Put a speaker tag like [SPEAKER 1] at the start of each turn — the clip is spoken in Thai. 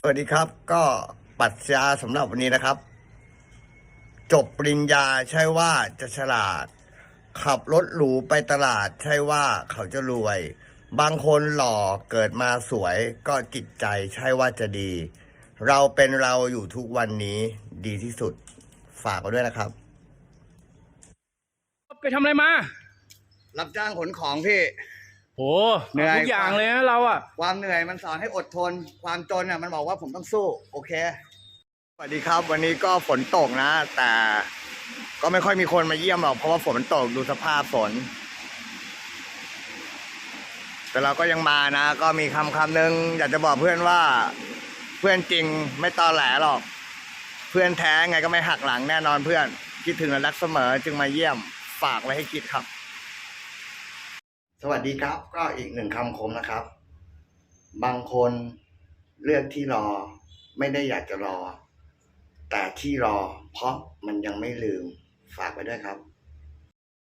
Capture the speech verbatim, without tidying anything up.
[SPEAKER 1] สวัสดีครับก็ปรัชญาสำหรับวันนี้นะครับจบปริญญาใช่ว่าจะฉลาดขับรถหรูไปตลาดใช่ว่าเขาจะรวยบางคนหล่อเกิดมาสวยก็จิตใจใช่ว่าจะดีเราเป็นเราอยู่ทุกวันนี้ดีที่สุดฝากไว้ด้วยนะครับ
[SPEAKER 2] ไปทำอะไรมา
[SPEAKER 1] รับจ้างขนของพี่
[SPEAKER 2] โหเหนื่อยทุกอย่างเลยนะเราอะ
[SPEAKER 1] ความเหนื่อยมันสอนให้อดทนความจนอ่ะมันบอกว่าผมต้องสู้โอเคสวัสดีครับวันนี้ก็ฝนตกนะ แต่ก็ไม่ค่อยมีคนมาเยี่ยมหรอกเพราะว่าฝนมันตกดูสภาพฝนแต่เราก็ยังมานะ ก็มีคำคำหนึ่งอยากจะบอกเพื่อนว่าเพื่อนจริงไม่ตอแหลหรอกเพื่อนแท้ไงก็ไม่หักหลังแน่นอนเพื่อนคิดถึงและรักเสมอจึงมาเยี่ยมฝากไว้ให้คิดครับสวัสดีครับก็อีกหนึ่งคำคมนะครับบางคนเลือกที่รอไม่ได้อยากจะรอแต่ที่รอเพราะมันยังไม่ลืมฝากไว้ด้วยครับ